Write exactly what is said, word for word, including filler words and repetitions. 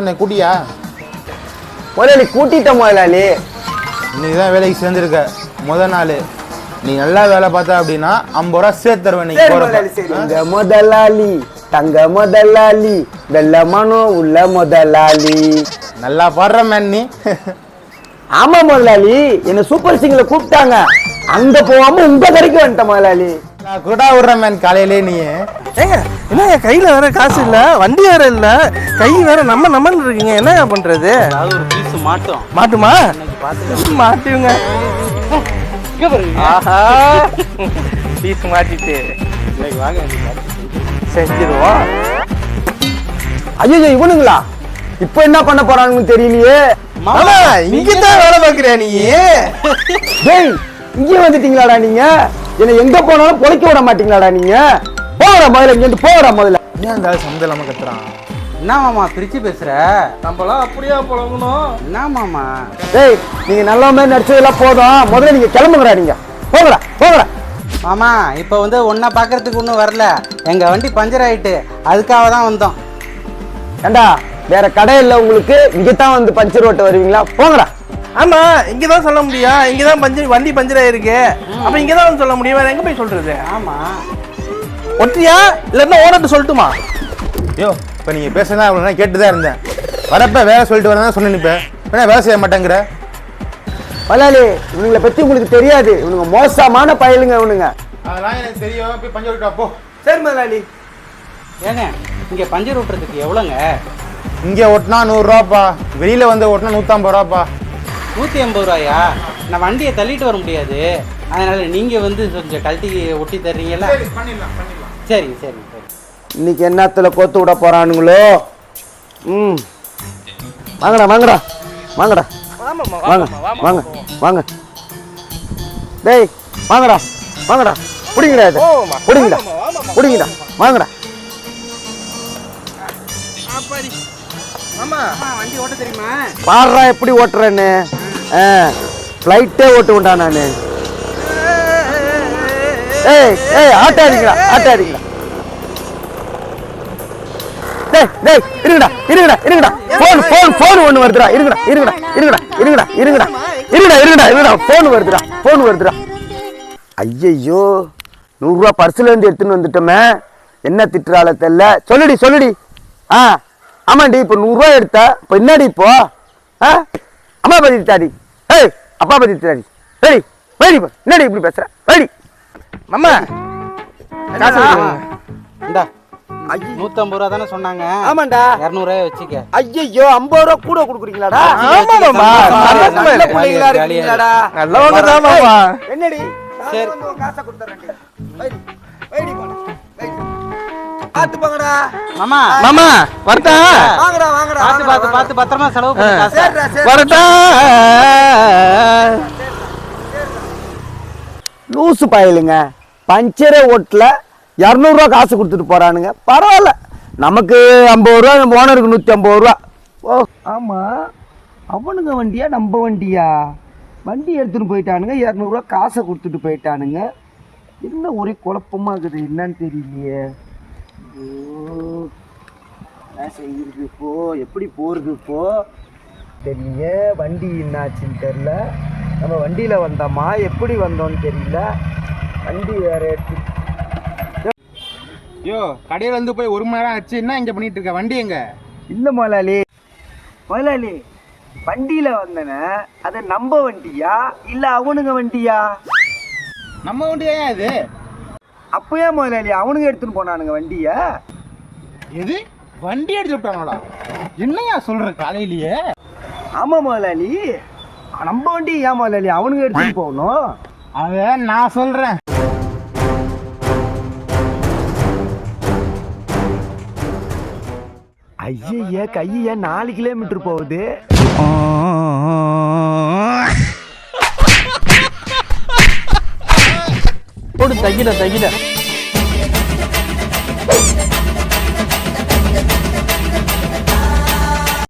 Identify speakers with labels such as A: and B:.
A: சொன்னேன் கூட்டியா?
B: முதலாளி கூட்டிட்ட முதலாளி.
A: இன்னைக்கு தான் வேலைக்கு சேர்ந்துருக்க முத நாள். நீ நல்லா வேலை பார்த்த அப்படின்னா ஐம்பது ரூபா சேர்த்து தருவேன்.
B: நீங்க முதலாளி தங்க முதலாளி வெள்ள மனம் உள்ள முதலாளி.
A: நல்லா பாடுற மேன் நீ.
B: ஆமா முதலாளி, என்ன சூப்பர் சிங்கர்ல கூப்பிட்டாங்க. அங்க போகாம உங்க கடைக்கு வந்துட்டேன் முதலாளி.
A: நான் கூட விடுறேன் மேன் காலையிலே. நீ
C: ஏங்க என்ன கையில வேற காசு இல்ல, வண்டி வேற இல்ல, கை வேற நம்ம நம்மன்னு இருக்கீங்க, என்ன பண்றது?
D: அதாவது ஒரு பீஸ் மாட்டோம்.
C: மாட்டுமா? மாட்டுங்க. ஆஹா பீஸ் மாட்டிட்டு
D: வாங்க
C: செஞ்சிருவோம்.
B: ஐயோ இவனுங்களா இப்ப என்ன பண்ண போறாங்கன்னு தெரியலையே.
C: இங்கதான் வேலை பாக்குறியா நீ?
B: டேய் இங்கே வந்துட்டீங்களாடா நீங்க? என்ன எங்க போனாலும் பொழைக்க விட மாட்டீங்களாடா நீங்க? போகடா முதல்ல, இங்க போகடா முதல்ல.
A: ஏன் அந்த சம்மந்தம் இல்லாம கத்துறான்?
D: என்ன மாமா பிரிச்சு பேசுற?
C: நம்மளாம் அப்படியா பழகணும்?
D: என்ன மாமா?
B: டேய் நீங்க நல்ல மாதிரி நடிச்சதெல்லாம் போதும், முதல்ல நீங்க கிளம்புங்கடா. நீங்க போங்கடா போங்கடா.
D: மாமா இப்போ வந்து ஒன்றை பார்க்கறதுக்கு ஒன்றும் வரல, எங்கள் வண்டி பஞ்சர் ஆகிட்டு, அதுக்காக தான் வந்தோம்.
B: ஏண்டா வேற கடை இல்லை உங்களுக்கு, இங்கதான் வந்து பஞ்சர் ஓட்ட வருவீங்களா? போங்கடா.
C: ஆமா இங்கதான் சொல்ல முடியும், இங்கதான் பஞ்சர் வண்டி பஞ்சர் ஆயிருக்கு, அப்ப இங்கதான் வந்து சொல்ல முடியும், வேற எங்க போய் சொல்றது?
D: ஆமா
C: ஒற்றியா இல்லன்னா ஓனர்ட்ட சொல்லட்டுமா?
A: ஐயோ இப்போ நீங்கள் பேசுறதா அவ்வளோ கேட்டு தான் இருந்தேன். வரப்ப வேலை சொல்லிட்டு வரதான் சொன்ன நிற்பேன். வேணா வேலை செய்ய மாட்டேங்கிற
B: முதலாளி. இவனுங்களை பத்தி உங்களுக்கு தெரியாது, இவனுங்க மோசமான பயலுங்க இவனுங்க.
A: அதெல்லாம் எனக்கு தெரியும். போய் பஞ்சர் விட்டு அப்போ.
B: சரி முதலாளி.
D: ஏங்க இங்கே பஞ்சர் ஓட்டுறதுக்கு எவ்வளோங்க?
A: இங்கே ஓட்டினா நூறுரூவாப்பா, வெளியில் வந்து ஓட்டினா நூற்றம்பது ரூபாப்பா.
D: நூற்றி ஐம்பது ரூபாயா? நான் வண்டியை தள்ளிட்டு வர முடியாது, அதனால நீங்கள் வந்து கொஞ்சம் கழட்டி ஒட்டி தர்றீங்களா?
A: பண்ணிடலாம் பண்ணிடலாம்.
D: சரி சரி சரி.
B: இன்னைக்கு என்னத்துல கோத்து விட போறானுங்களோ? ம் வாங்கடா வாங்கடா வாங்கடா வாங்க வாங்க வாங்க. டேய் வாங்கடா வாங்கடா. புடிங்கடா இது, புடிங்கடா புடிங்கடா வாங்கடா.
D: மாமா வண்டி ஓட்ட தெரியுமா?
B: பாடுறா எப்படி ஓட்டுறேன்னு. ஃப்ளைட்டே ஓட்டுவேன்டா நான். ஏய் ஏய் ஆட்டாதீங்களா ஆட்டாதீங்களா. டேய் டேய் இருங்கடா இருங்கடா இருங்கடா. ஃபோன் ஃபோன் ஃபோன் ஒன்று வருதுடா. இருங்கடா இருங்கடா இருங்கடா இருங்கடா இருங்கடா இருங்கடா இருங்கடா இருங்கடா. ஃபோன் வருதுடா ஃபோன் வருதுடா. ஐயையோ நூறுரூவா பர்ஸில் இருந்து எடுத்துன்னு வந்துட்டோமே, என்ன திட்டுறாள தெரியல. சொல்லுடி சொல்லுடி. ஆ ஆமாண்டி இப்போ நூறுரூவா எடுத்தா இப்போ என்னடி இப்போ? ஆ அம்மா பத்தி திட்டாடி. ஏய் அப்பா பத்தி திட்டாடி. சரி வேடி என்னடி இப்படி பேசுற? வேடி
C: மாமா காசு
D: இந்தா நூற்றம்பது ரூபா தானே சொன்னாங்க?
B: ஆமாண்டா
D: இரநூறுவாயை வச்சுக்க.
B: ஐயோ ஐம்பது ரூபா கூட கொடுக்குறீங்களாடா? என்னடி
D: சரி
B: காசை கொடுத்துறேன். பார்த்து போங்கடா
D: மாமா.
C: மாமா வரட்டா?
B: வாங்கடா வாங்கடா.
D: பார்த்து பார்த்து பார்த்து பத்திரமா செலவு பண்ணு காசை.
C: வரட்டா?
B: லூசு பயலுங்க, பஞ்சரே ஓட்டல இரநூறுவா காசு கொடுத்துட்டு போறானுங்க. பரவாயில்ல, நமக்கு ஐம்பது ரூபா, நம்ம ஓனருக்கு நூற்றி ஐம்பது ரூபா. ஓ ஆமா அவனுங்க வண்டியா நம்ம வண்டியா? வண்டி எடுத்துட்டு போயிட்டானுங்க, இரநூறுவா காசை கொடுத்துட்டு போயிட்டானுங்க. என்ன ஒரே குழப்பமா இருக்குது, என்னன்னு தெரியலையே. என்ன செய்யுது இப்போ, எப்படி போறது இப்போ தெரியல. வண்டி என்னாச்சுன்னு தெரியல. நம்ம வண்டியில வந்தோமா, எப்படி வந்தோம்னு தெரியல. வண்டி வேற எடுத்து.
A: ஐயோ கடையில் வந்து போய் ஒரு மணி நேரம் ஆச்சு, என்ன இங்கே பண்ணிட்டு இருக்க? வண்டி எங்க?
B: இல்லை முதலாளி முதலாளி வண்டியில வந்தன, அது நம்ம வண்டியா இல்ல அவனுங்க வண்டியா?
A: நம்ம வண்டியா இது?
B: அப்பயே முதலாளி அவனுங்க எடுத்துன்னு போனானுங்க வண்டிய.
A: எது வண்டி எடுத்து விட்டாங்களா? என்னையா சொல்ற காலையிலேயே?
B: ஆமா முதலாளி, நம்ம வண்டி ஏன் முதலாளி அவனுங்க எடுத்துன்னு போகணும்?
A: அத நான் சொல்றேன்.
B: ஐய கைய நாலு கிலோமீட்டர் போகுது.
C: போடு தகிட தகிட.